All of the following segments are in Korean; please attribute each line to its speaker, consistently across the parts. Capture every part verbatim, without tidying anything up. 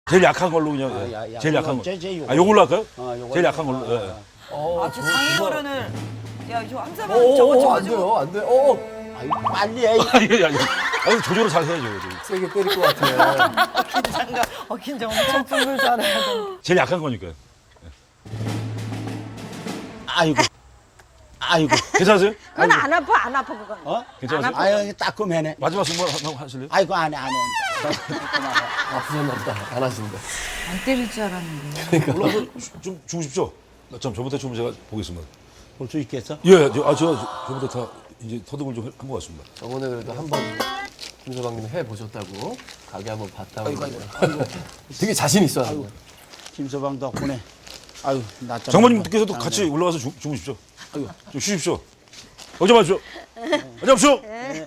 Speaker 1: 제일 약한 걸로 그냥.
Speaker 2: 아,
Speaker 1: 예.
Speaker 2: 야, 야,
Speaker 1: 제일 약한 거.
Speaker 2: 제, 제 요거.
Speaker 1: 아, 요걸로 할까요?
Speaker 2: 어, 요걸로.
Speaker 1: 제일 약한 걸로.
Speaker 2: 어,
Speaker 1: 예.
Speaker 2: 어.
Speaker 3: 어,
Speaker 4: 아, 저 장인 어른을 야, 저 함사방
Speaker 3: 오,
Speaker 4: 저거
Speaker 3: 오, 안
Speaker 4: 저거
Speaker 3: 돼요, 안 돼요. 어,
Speaker 2: 아이, 빨리 해.
Speaker 1: 아니, 아니, 아니, 조절을 잘 해야죠. 그래도.
Speaker 3: 세게 때릴 것 같아.
Speaker 4: 긴장감, 어 긴장 엄청 풀을 잘해야 돼.
Speaker 1: 제일 약한 거니까요.
Speaker 2: 아이고. 아이고.
Speaker 1: 괜찮으세요?
Speaker 5: 그건 안 아파, 안 아파, 그건.
Speaker 2: 어?
Speaker 1: 괜찮으세요?
Speaker 2: 아유, 따끔해네.
Speaker 1: 마지막 승부 한번 하실래요?
Speaker 2: 아이고, 안 해, 안 해.
Speaker 3: 아프셨나 보다. 안 하신다.
Speaker 5: 안 때릴 줄 알았는데.
Speaker 1: 올라가서 좀 주무십시오. 참, 저부터 좀 제가 보겠습니다.
Speaker 2: 볼 수 있겠어?
Speaker 1: 예, 저, 아, 제가 저부터 다 이제 터득을 좀 한 것 같습니다.
Speaker 3: 저번에 그래도 한 번 김서방님 해보셨다고 가게 한번 봤다고.
Speaker 2: 아이고, 아이고,
Speaker 3: 그러는데 되게 자신 있어 하는 거야.
Speaker 2: 김서방 덕분에. 아유, 낮잠.
Speaker 1: 장모님께서도 같이 올라가서 주, 주무십시오. 좀 쉬십시오. 어제 마십시오. 어제 마십시오.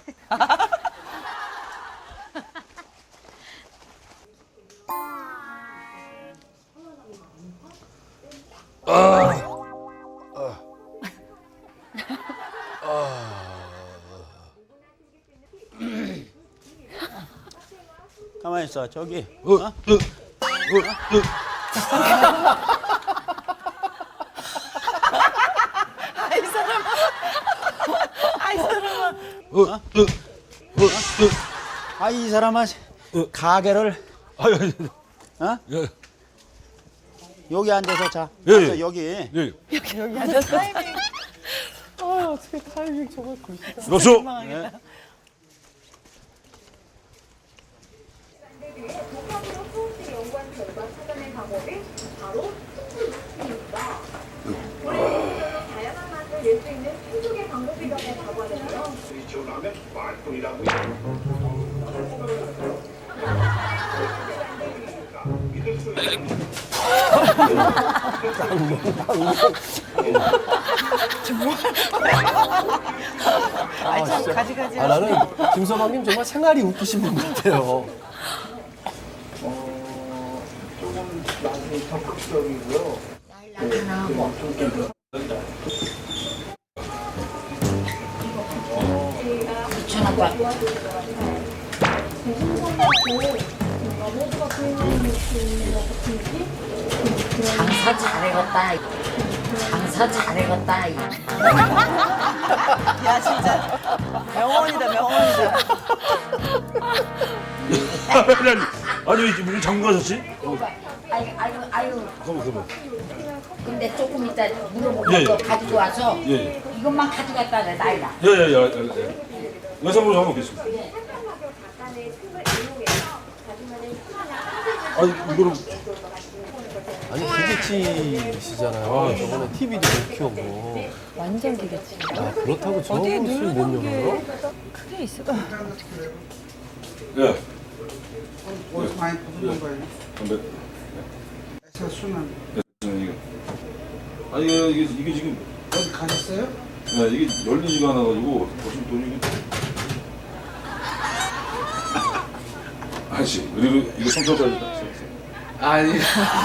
Speaker 2: 가만히 있어, 저기.
Speaker 1: 어, 어, 어, 어.
Speaker 4: 아이 사람아, 아이 사람아.
Speaker 1: 어, 어, 어, 어.
Speaker 2: 아, 이 사람아, 가게를,
Speaker 1: 아유, 아유,
Speaker 2: 어?
Speaker 1: 예,
Speaker 2: 여기 앉아서 자.
Speaker 1: 예,
Speaker 2: 앉아,
Speaker 1: 예.
Speaker 2: 여기.
Speaker 1: 예.
Speaker 4: 여기 앉아서 타이밍.
Speaker 3: 아, 어떻게 타이밍 정말 굿이다.
Speaker 1: 마십시오.
Speaker 4: 민망하겠다.
Speaker 6: 독학으로 수업식 연구한 결과 찾아낸 방법이 바로 풍수입니다. 고래에서 다양한 맛을 낼 수 있는 풍속의 방법이라고 하는데요.
Speaker 4: 아이 참 가지가지.
Speaker 3: 아, 나는 김서방님 정말 생활이 웃기신 분 같아요.
Speaker 5: 장사 잘해갔다. 장사 잘해갔다.
Speaker 4: 야 진짜 명언이다 명언이다.
Speaker 1: 아니, 아니, 아니, 왜 지금 장군 가셨지?
Speaker 5: 아유, 아유, 아유.
Speaker 1: 잠깐만, 잠깐만.
Speaker 5: 근데 조금 이따 물어보고
Speaker 1: 예, 예.
Speaker 5: 거 가지고 와서
Speaker 1: 예, 예.
Speaker 5: 이것만 가져갔다 내 나이다.
Speaker 1: 예, 예, 예, 예, 예. 여성으로 한번 보겠습니다.
Speaker 6: 약간의 틈을 이용해서 자신만의 수많은
Speaker 1: 아니, 이거를.
Speaker 3: 아니, 기계치시잖아요. 저번에 티비도 못 키우고.
Speaker 5: 완전 기겠지.
Speaker 3: 아, 그렇다고 저
Speaker 4: 어디에
Speaker 3: 옷을 못
Speaker 4: 누르는 게
Speaker 3: 열어요?
Speaker 4: 크게 있을 것 같아.
Speaker 1: 예.
Speaker 7: 어디서 많이 보는 거예요?
Speaker 1: 담배.
Speaker 7: 에서 순환
Speaker 1: 이게. 아니, 이게, 이게, 이게 지금.
Speaker 7: 어디 가셨어요?
Speaker 1: 네, 이게 열리지가 않아가지고 보시면 돈이 이게 아저씨 그리고 이거 삼천짜리
Speaker 7: 아니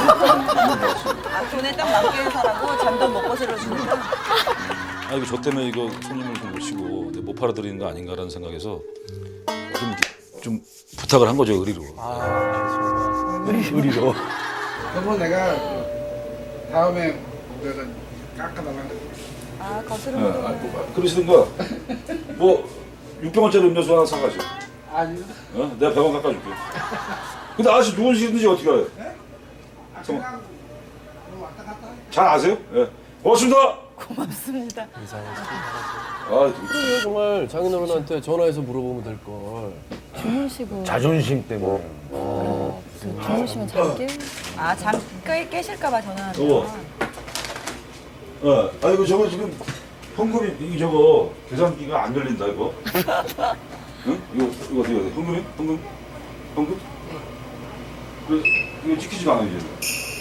Speaker 4: 아, 돈에 딱 맞게 사라고 잔돈 먹고 살려주니까.
Speaker 1: 아 이거 저 때문에 이거 손님을 좀 모시고 못 팔아드리는 거 아닌가라는 생각에서 좀, 좀 부탁을 한 거죠 의리로.
Speaker 3: 아, 의리로.
Speaker 7: 그거 내가 그 다음에 내가 깎아달라고
Speaker 4: 아
Speaker 1: 네,
Speaker 4: 거스름.
Speaker 1: 아, 뭐, 그러시든가 뭐 육 병원짜리 음료수 하나 사가지고
Speaker 7: 아니요
Speaker 1: 어? 내가 백 원 깎아줄게. 근데 아저씨 누구시든지 어떻게 알아요?
Speaker 7: 아, 그냥 뭐 왔다 갔다 해.
Speaker 1: 잘 아세요? 예. 고맙습니다.
Speaker 4: 고맙습니다.
Speaker 1: 아, 되게
Speaker 3: 그래요, 정말 장인어른한테 전화해서 물어보면 될 걸.
Speaker 8: 주무시고
Speaker 1: 자존심 때문에.
Speaker 3: 어,
Speaker 8: 주무시면 잘 깨.
Speaker 4: 아잠 깨실까봐 전화하는
Speaker 1: 여보.
Speaker 4: 거.
Speaker 1: 어, 아이고 저거 지금 현금이 이게 저거 계산기가 안 열린다 이거. 응? 이거 이거 어떻게 해야 돼? 현금이? 현금? 현금? 그 이거 찍히지가 않아 이제.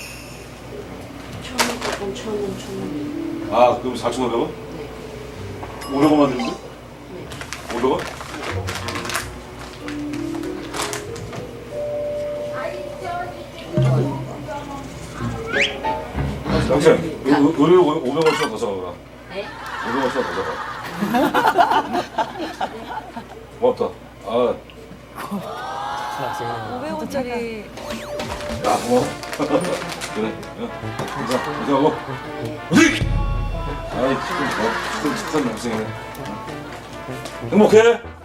Speaker 5: 천 원, 조금 천 원, 천 원.
Speaker 1: 아 그럼 사천오백 원? 오백 원만 드는데? 오백 원? 당신 의뢰 오백 원씩 더 사가라.
Speaker 5: 네?
Speaker 1: 오백 원씩 더 사가. 고맙다. 아.
Speaker 3: 학생은
Speaker 4: 오백 원짜리
Speaker 1: 야 고마워. 그래. 어. 감사 감사하고. 어디? 아이 지금 뭐 축산 축산 동생이네. 행복해.